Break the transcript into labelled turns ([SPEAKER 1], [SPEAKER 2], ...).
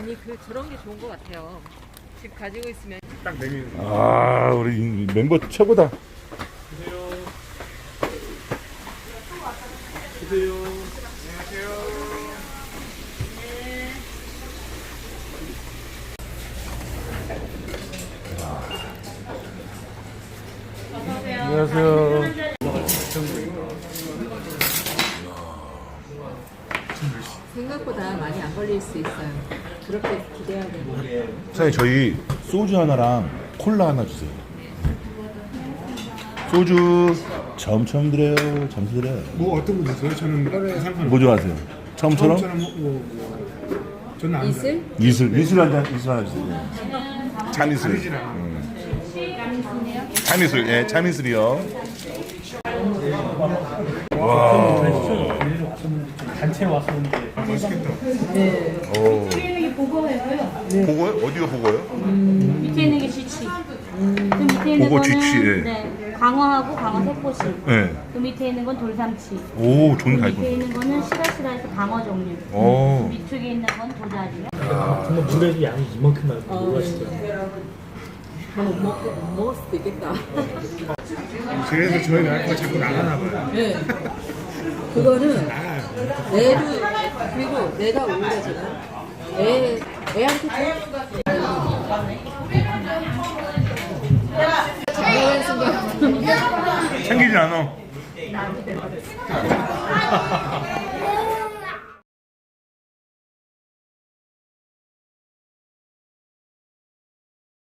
[SPEAKER 1] 아니 저런 게 좋은 것 같아요. 집 가지고 있으면
[SPEAKER 2] 딱 메뉴.
[SPEAKER 3] 아, 우리 멤버 최고다.
[SPEAKER 2] 드세요. 드세요. 안녕하세요.
[SPEAKER 3] 안녕하세요.
[SPEAKER 1] 생각보다 많이 안 걸릴 수 있어요. 그렇게 기대하고.
[SPEAKER 3] 사장님, 저희 소주 하나랑 콜라 하나 주세요. 소주 처음 드려요. 점수 드려요.
[SPEAKER 2] 뭐 어떤 거 드세요? 저는 상관없어요.
[SPEAKER 3] 뭐 좋아하세요? 처음처럼?
[SPEAKER 2] 저는 안
[SPEAKER 1] 이슬?
[SPEAKER 3] 이슬 하나 주세요. 참이슬.
[SPEAKER 2] 아니지랑.
[SPEAKER 3] 참이슬, 예, 참이슬이요.
[SPEAKER 4] 단체 왔었는데
[SPEAKER 2] 맛있겠다.
[SPEAKER 3] 오.
[SPEAKER 5] 위에 있는 게 보고예요.
[SPEAKER 3] 보고요? 어디가 보고요?
[SPEAKER 5] 밑에 있는 게 쥐치. 그 밑에 있는
[SPEAKER 3] 보고
[SPEAKER 5] 거는
[SPEAKER 3] 쥐치, 예.
[SPEAKER 5] 네, 광어하고 광어 새꼬시.
[SPEAKER 3] 네.
[SPEAKER 5] 그 밑에 있는 건 돌삼치.
[SPEAKER 3] 오,
[SPEAKER 5] 그
[SPEAKER 3] 좋은
[SPEAKER 5] 밑에
[SPEAKER 3] 달고.
[SPEAKER 5] 있는 거는 시라시라해서 광어 종류.
[SPEAKER 3] 오.
[SPEAKER 5] 밑쪽에 있는 건 도다리요.
[SPEAKER 4] 정말 물에도 양이 이만큼 나고 놀라시더라고요.
[SPEAKER 1] 못 먹을 수도 있겠다.
[SPEAKER 2] 그래서 저희 와이프가 자꾸 나가나 봐요.
[SPEAKER 1] 네. 그거는
[SPEAKER 2] 나가요.
[SPEAKER 1] 애도 그리고 내가 우울해지나? 애한테 장난하는 순간
[SPEAKER 3] 챙기지 않아.